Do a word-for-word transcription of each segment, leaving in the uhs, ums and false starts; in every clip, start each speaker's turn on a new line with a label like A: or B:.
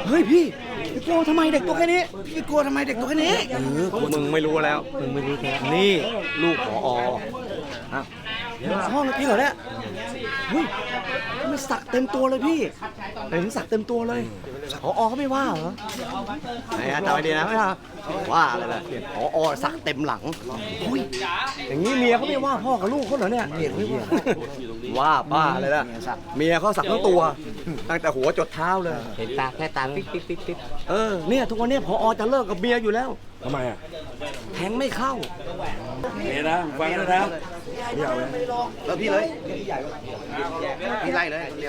A: เฮ้ยพี่พี่กลัวทำไมเด็กตัวแค่นี้พี่กลัวทำไมเด็กตัวแค่นี้
B: เออมึงไม่รู้แล้วมึงไม่รู้แล้วนี่ลูกผออ่ะ
A: ห้องพี่เหรอเนี่ยเฮ้ยมันสักเต็มตัวเลยพี่เห็นสักเต็มตัวเลยผอเขาไม่ว่าเหรอไอ้จำไว้ดีนะไม่ว่าว่าอะไรล่ะผอสักเต็มหลังอุ้ยอย่างนี้เมียเขาไม่ว่าพ่อกับลูกเขาเหรอเนี่ยว่าป้าเลยล่ะเมียเขาสักทั้งตัวตั้งแต่หัวจดเท้าเลย
B: เห็นตาแค่ตาปิ๊กปิ๊กปิ๊กปิ๊ก
A: เออเนี่ยทุกวันนี้ผอจะเลิกกับเมียอยู่แล้ว
C: ทำไมอ่ะ
A: แทงไม่เข้า
C: เมียนะฟังนะนะไม่เอาเลย
A: แล้วพี่เลยพี่ไล่เลยเดียว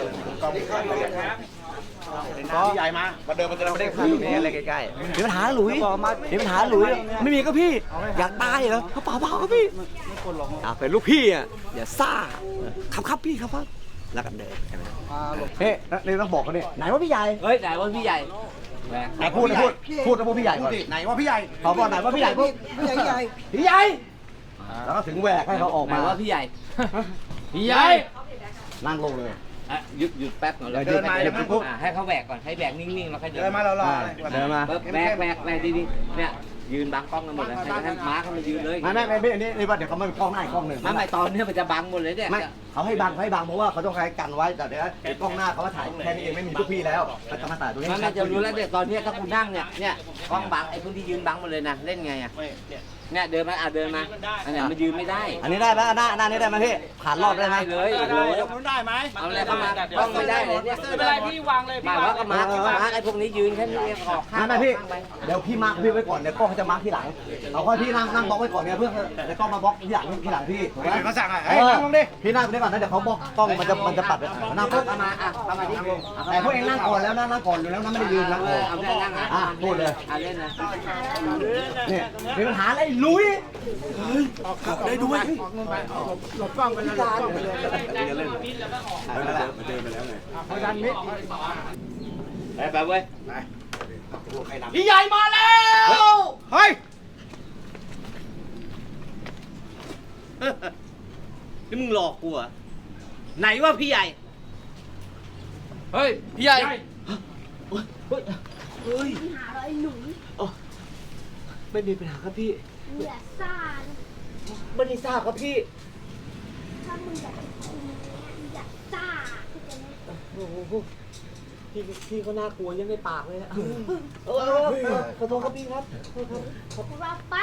A: พี่ใหญ่มามาเดินมาเดินมาได้คุยนี่อะไรใกล้ๆมีปัญหาหลุยมีปัญหาหลุยไม่มีก็พี่อยากตายเหรอเขาเปล่าเปล่าครับพี่อ่าเป็นลูกพี่อ่ะอย่าซ่าครับครับพี่ครับครับแล้วกันเดินเฮ้ยนี่ต้องบอกเขาเนี่ยไหนว่าพี่ใหญ่
B: เฮ้ยไหนว่าพี่ใหญ่แหม
A: ไหนพูดพูดพูดนะพวกพี่ใหญ่ก่อนไหนว่าพี่ใหญ่ขอบอกไหนว่าพี่ใหญ่พวกพี่ใหญ่พี่ใหญ่พี่ใหญ่แล้วก็ถึงแหวกให้เขาออก
B: ไหน
A: มา
B: ว่าพี่ใหญ่พี่ใหญ่
A: นั่งลงเลย
B: อ่ะหยุดหยุดแป๊บก่อนแล้ว
A: เดินมาเดี๋ยวปุ๊บ
B: อ่ะให้เขาแหวกก่อนให้แหวกนิ่งๆแล้วค่อยเดิน
A: เดินมาเรารอเดินมา
B: แหวกแหวกแหวกดีๆเนี่ยยืนบังกล้องกันหมดเลยให้ให้ม้าเขามายืนเลย
A: ไม่ไม่ไม่ไม่นี่นี่ว่าเดี๋ยวเขาไม่กล้องหน้าอีกกล้องหนึ่ง
B: ไม่ไม่ตอนเนี้ยมันจะบังหมดเลยเนี่ย
A: ไม่เขาให้บังให้บังเพราะว่าเขาต้องใช้กันไว้แต่เดี๋ยวไอ้กล้องหน้าเขามาถ่ายแค่นี้เองไม่มีพวกพี่แล้วเขาจะมาถ่ายตรงนี้
B: มันไม่จะรู้แล้วเนี่ยตอนเนี้ยถ้าคุณนั่งเนี่ยเนี่ยกล้องบังไอ้พวกที่ยืนบังหมดเลยนะเล่นไงอ่ะเนี่ยเดินมาอ่ะเดินมาอันเนี้ยมันยืนไม่ได้
A: อันนี้ได้ไหมหน้าหน้านี้ได้ไหมพี่ผ่านรอบได้ไหม
B: เลยโอ้โห
D: มันได้ไหม
B: เอาอะไรเข้ามากล้องไม่ได้เลยเนี่ย
D: ไม่เป็นไรพี่วางเลย
B: มา
D: พี่
B: ว่าก็มามาไอ้พวกนี้ยืนแค่นี้เองออกข้าง
A: ไม่ไม่พี่เดี๋ยวพี่มาร์คพี่ไว้ก่อนเดี๋ยวกล้องเขาจะมาร์คทีหลังเอาค่อยพี่นั่งนั่งบล็อกไว้ก่อนเนี่ยเพื่อเดี๋ยวกล้องมาบล็อกทีหลังทีหลังพี่ถูกไหม
D: เขาสั่งอ่ะ
A: เออพี่นั่งได้ก่อนนะเดี๋ยวเขาบล็อกกล้องมันจะมันจะปัดนั่งปุ๊บ
B: เอามาอ่ะเอามาดิ
A: แต่พวกเองนั่งก่อนแล้วนั่งนั่งก่อนอยู่แล้วนั่งไม่ได้ยืนนั่ง
B: เอ
A: ก่อ
B: อน เอาได้นั่งนะ
A: อ่ะพูดเลย
B: อ่ะเล่นนะ
A: เนี่ยมีปัญหาอะไรลุยเฮ้ยได้ด้วย
D: หลบกล้องไปแล้วหลบกล้องไปเลย
A: เล่น
C: มาเดินมาเดินไปแล้วไง
D: เขาดันมิด
B: ไปไปเว้ย
A: พี่ใหญ่มาแล้วเฮ้ย
B: นี่มึงหลอกกูเหรอไหนว่าพี่ใหญ่
D: เฮ้ยพี่ใหญ่
A: เฮ้ย
E: หาอะไรหนู
A: ไม่มีปัญหาครับพี่
E: อย่าซ่านะ
A: ไม่ได้ทราบครับพี่
E: ถ้ามึงอยากจะคุยอย่าซ่าเข้าใจไหม
A: โอ้โหพี่พี่เขาน่ากลัวยังในปากเลยนะเออขอโทษครับพี่ครับขอโทษครับ
E: พวกเราไป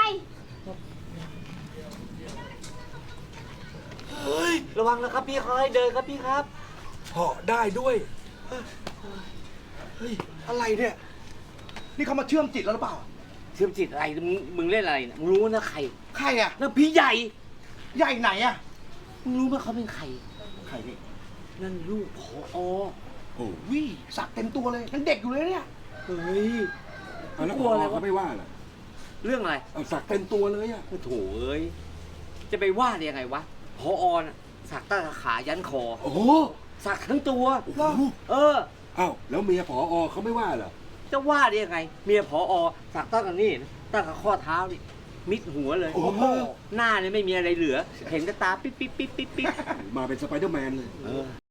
A: เฮ้ยระวังนะครับพี่เขาให้เดินครับพี่ครับ
C: เหาะได้ด้วย
A: เฮ้ยอะไรเนี่ยนี่เขามาเชื่อมจิตแล้วหรือเปล่า
B: เชื่อมจิตอะไรมึงมึงเล่นอะไรเนี่ยมึงรู้นะใคร
A: ใครอ่ะ
B: นั่นพี่ใหญ่
A: ใหญ่ไหนอ่ะ
B: มึงรู้ไหมเขาเป็นใคร
A: ใครนี่
B: นั่นลูกผอ
C: โอ้
A: วิสักเต็มตัวเลยยังเด็กอยู่เลยเนี่ย
B: เฮ้ย
C: เอาแล้ว
B: กลัวอะไรวะ
C: เขาไม่ว่าเหรอ
B: เรื่องอะไร
C: เอาสักเต็มตัวเลยอ่ะ
B: โอ้โถเอ้ยจะไปว่าได้ยังไงวะผอน่ะสักตั้งแต่ขายันคอ
C: โอ้โห
B: สักทั้งตัว เออ
C: เอ้าแล้วเมียผอเขาไม่ว่าเหรอ
B: จะว่าได้ยังไง เมียผอสักตั้งแต่นี่ตั้งแต่ข้อเท้านี่มิดหัวเลย
C: โอ้โห
B: หน้าเนี่ยไม่มีอะไรเหลือ เห็นแต่ตาปิ๊บปิ๊บปิ๊บปิ๊บปิ๊บ
C: มาเป็นสไปเดอร์แมนเลย